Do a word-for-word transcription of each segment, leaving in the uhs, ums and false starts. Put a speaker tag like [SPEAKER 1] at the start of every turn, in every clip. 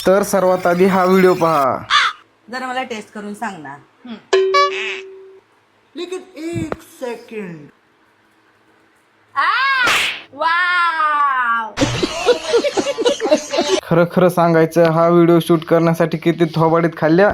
[SPEAKER 1] तर सर्वात आधी हा व्हिडिओ पहा.
[SPEAKER 2] जरा मला टेस्ट करून सांग ना. लेकिन एक सेकंड.
[SPEAKER 3] वाव.
[SPEAKER 1] खरं खरं सांगायचं, हा व्हिडिओ शूट करण्यासाठी किती थोबाडीत खाल्ल्या.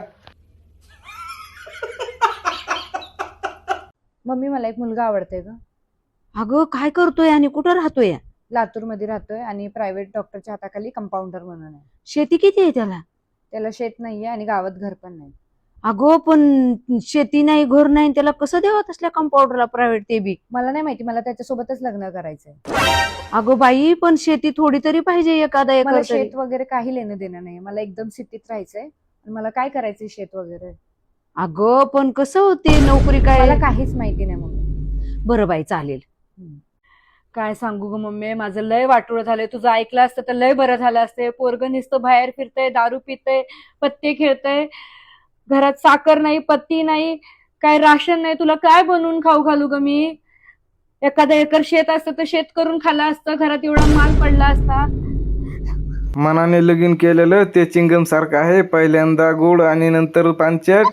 [SPEAKER 4] मम्मी मला एक मुलगा आवडतोय ग.
[SPEAKER 3] अगं काय करतोय आणि कुठं राहतोय?
[SPEAKER 4] लातूरमध्ये राहतोय आणि प्रायव्हेट डॉक्टरच्या हाताखाली कंपाऊंडर म्हणून आहे.
[SPEAKER 3] शेती किती आहे त्याला?
[SPEAKER 4] त्याला शेत नाहीये आणि गावात घर पण नाही.
[SPEAKER 3] अगं पण शेती नाही, घर नाही, त्याला कसं द्यावं तसल्या कंपाऊंडरला प्रायव्हेट ते बी?
[SPEAKER 4] मला नाही माहिती, मला त्याच्यासोबतच लग्न करायचंय.
[SPEAKER 3] अगं बाई, पण शेती थोडी तरी पाहिजे, एखादा
[SPEAKER 4] मला
[SPEAKER 3] एकर तरी.
[SPEAKER 4] शेत वगैरे काही लेणं देणं नाही. मला एकदम सिटीत राहायचंय आणि मला काय करायचंय शेत वगैरे.
[SPEAKER 3] अगं पण कसं होते नोकरी काय?
[SPEAKER 4] मला काहीच माहिती नाही मम्मी.
[SPEAKER 3] बरं बाई चालेल.
[SPEAKER 4] काय सांगू ग मम्मी, माझं लय वाटोळं झालंय. तुझं ऐकलं असतं तर लय बरं झालं असते. पोरगं नुसतं बाहेर फिरतय, दारू पितय, पत्ते खेळतय, घरात साखर नाही, पत्ती नाही, काय राशन नाही. तुला काय बनवून खाऊ घालू ग मी? एखादा एकर शेत असतं तर शेत करून खाल्लं असतं, घरात एवढा माल पडला असता.
[SPEAKER 1] मनाने लगीन केलेलं ते चिंगम सारखं आहे, पहिल्यांदा गोड आणि नंतर पांचट.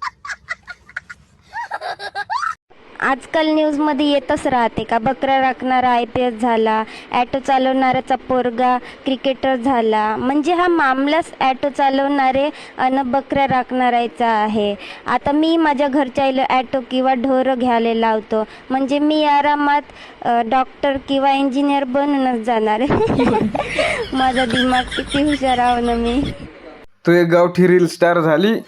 [SPEAKER 5] आजकाल न्यूजमध्ये येतच राहते का बकरा राखणारा आय पी एस झाला, ॲटो चालवणाऱ्याचा पोरगा क्रिकेटर झाला. म्हणजे हा मामलाच ॲटो चालवणारे अन बकऱ्या राखणाऱ्याचा आहे. आता मी माझ्या घरच्या ॲटो किंवा ढोरं घ्यायला लावतो, म्हणजे मी आरामात डॉक्टर किंवा इंजिनियर बनूनच जाणार. माझा दिमाग किती हुशार आहो ना मी.
[SPEAKER 1] तू एक गावठी रील स्टार झाली.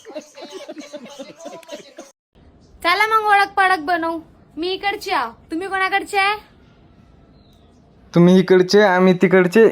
[SPEAKER 6] चला मग ओळख पाळख बनवू. मी इकडची आहो, तुम्ही कोणाकडचे आहे?
[SPEAKER 1] तुम्ही इकडचे, आम्ही तिकडचे.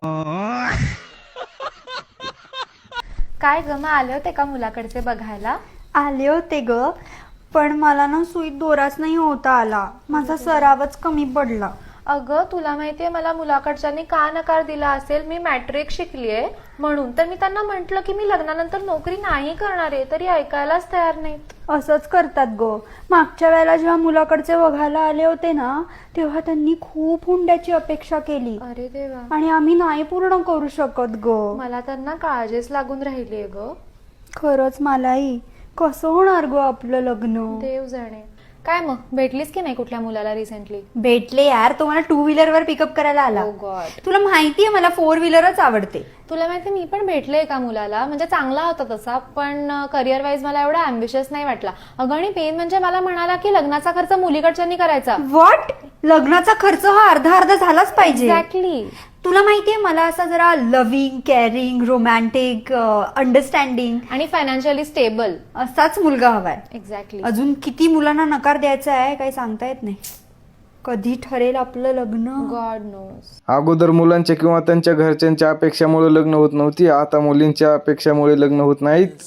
[SPEAKER 6] काय ग, मग आले होते का मुलाकडचे बघायला?
[SPEAKER 7] आले होते ग, पण मला ना सुईत दोराच नाही होता आला. माझा सरावच कमी पडला.
[SPEAKER 6] अगं तुला माहितीये मला मुलाकडच्यांनी का नकार दिला असेल? मी मॅट्रिक शिकलीये म्हणून. तर मी त्यांना म्हंटल की मी लग्नानंतर नोकरी नाही करणार आहे, तरी ऐकायलाच तयार नाहीत.
[SPEAKER 7] असंच करतात ग. मागच्या वेळेला जेव्हा मुलाकडचे बघायला आले होते ना, तेव्हा त्यांनी खूप हुंड्याची अपेक्षा केली.
[SPEAKER 6] अरे देवा.
[SPEAKER 7] आणि आम्ही नाही पूर्ण करू शकत ग.
[SPEAKER 6] मला त्यांना काळजीच लागून राहिलीये ग.
[SPEAKER 7] खरंच मलाही. कसं होणार ग आपलं लग्न?
[SPEAKER 6] देव जाणे. काय मग भेटलीस की नाही कुठल्या मुलाला रिसेंटली?
[SPEAKER 7] भेटले यार, तो मला टू व्हीलर वर पिकअप करायला आला.
[SPEAKER 6] Oh God.
[SPEAKER 7] तुला माहितीये मला फोर व्हीलरच आवडते.
[SPEAKER 6] तुला माहिती मी पण भेटले एका मुलाला, म्हणजे चांगला होता तसा, पण करिअर वाईज मला एवढा अँबिशियस नाही वाटला. अगं आणि पेन म्हणजे मला म्हणाला की लग्नाचा खर्च मुलीकडच्यांनी करायचा.
[SPEAKER 7] व्हॉट? लग्नाचा खर्च हा अर्धा अर्धा झालाच पाहिजे.
[SPEAKER 6] एक्झॅक्टली.
[SPEAKER 7] तुला माहितीये मला असा जरा लव्हिंग, केअरिंग, रोमॅन्टिक, अंडरस्टँडिंग
[SPEAKER 6] आणि फायनान्शियली स्टेबल
[SPEAKER 7] असाच मुलगा हवाय.
[SPEAKER 6] एक्झॅक्टली.
[SPEAKER 7] अजून किती मुलांना नकार द्यायचा आहे काही सांगता येत नाही. कधी ठरेल आपलं लग्न?
[SPEAKER 6] God knows.
[SPEAKER 1] अगोदर मुलांच्या किंवा त्यांच्या घरच्यांच्या अपेक्षामुळे लग्न होत नव्हती, आता मुलींच्या अपेक्षामुळे लग्न होत नाहीत.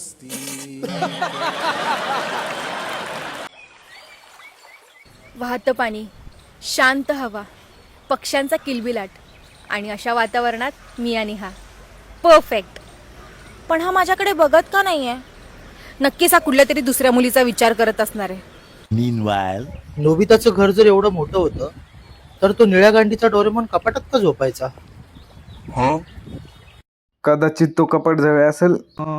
[SPEAKER 8] वाहतं पाणी, शांत हवा, पक्ष्यांचा किलबिलाट आणि अशा वातावरणात मी आणि हा परफेक्ट. पण हा माझ्याकडे बघत का नाहीये? नक्कीच हा कुठल्या तरी दुसऱ्या मुलीचा विचार करत असणार आहे.
[SPEAKER 2] नोबिताचं घर जर एवढं मोठं होतं तर तो निळ्या गांडीचा डोरेमॉन कपाटात का झोपायचा?
[SPEAKER 1] कदाचित तो कपट जवळ असेल.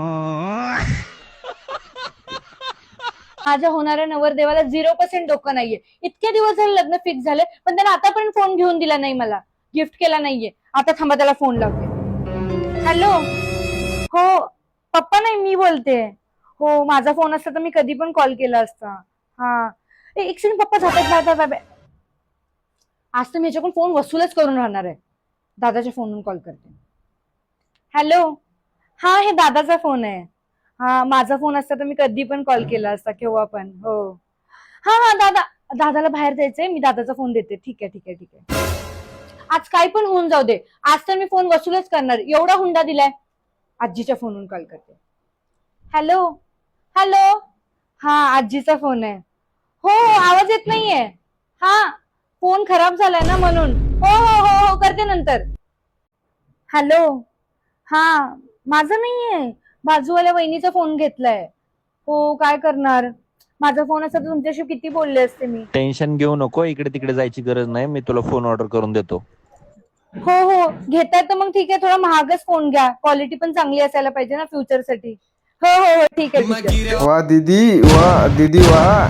[SPEAKER 4] माझ्या होणाऱ्या नवरदेवाला झिरो पर्सेंट डोकं नाहीये. इतके दिवस झाले लग्न फिक्स झाले, पण त्याने आतापर्यंत फोन घेऊन दिला नाही, मला गिफ्ट केला नाहीये. आता थांबा, त्याला फोन लावते. हॅलो. हो पप्पा, नाही मी बोलते. हो माझा फोन असता तर मी कधी पण कॉल केला असता. हा एक सेकंड पप्पा जातात बाबा. आज तर मी ह्याच्याकडून फोन वसूलच करून राहणार आहे. दादाच्या फोनवरून कॉल करते. हॅलो. हा हे दादाचा फोन आहे. हा माझा फोन असता तर मी कधी पण कॉल केला असता, केव्हा पण. हो हा हा दादा, दादाला बाहेर जायचंय, मी दादाचा फोन देते. ठीक आहे ठीक आहे ठीक आहे. आज काय पण होऊन जाऊ दे, आज तर मी फोन वसूलच करणार. एवढा हुंडा दिलाय. आजीच्या फोनवरून कॉल करते. हॅलो. हॅलो. हा आजीचा फोन आहे. हो आवाज येत नाहीये. हा फोन खराब झालाय ना म्हणून. हो हो हो हो करते नंतर. हॅलो. हा माझा नाहीये, बाजूवाल्या वहिनीचा फोन घेतलाय. हो काय करणार, माझा फोन असता तर तुमच्याशी किती बोलले असते मी.
[SPEAKER 9] टेन्शन घेऊ नको, इकडे तिकडे जायची गरज नाही, मी तुला फोन ऑर्डर करून देतो.
[SPEAKER 4] हो हो घेताय तर मग ठीक आहे, थोडा महागच फोन घ्या, क्वालिटी पण चांगली असायला पाहिजे ना फ्युचर साठी. हो हो हो ठीक आहे ठीक आहे.
[SPEAKER 1] वा दीदी वा दीदी वा.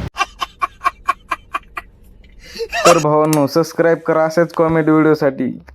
[SPEAKER 1] तर भावांनो सबस्क्राईब करा अशाच कॉमेडी व्हिडिओसाठी.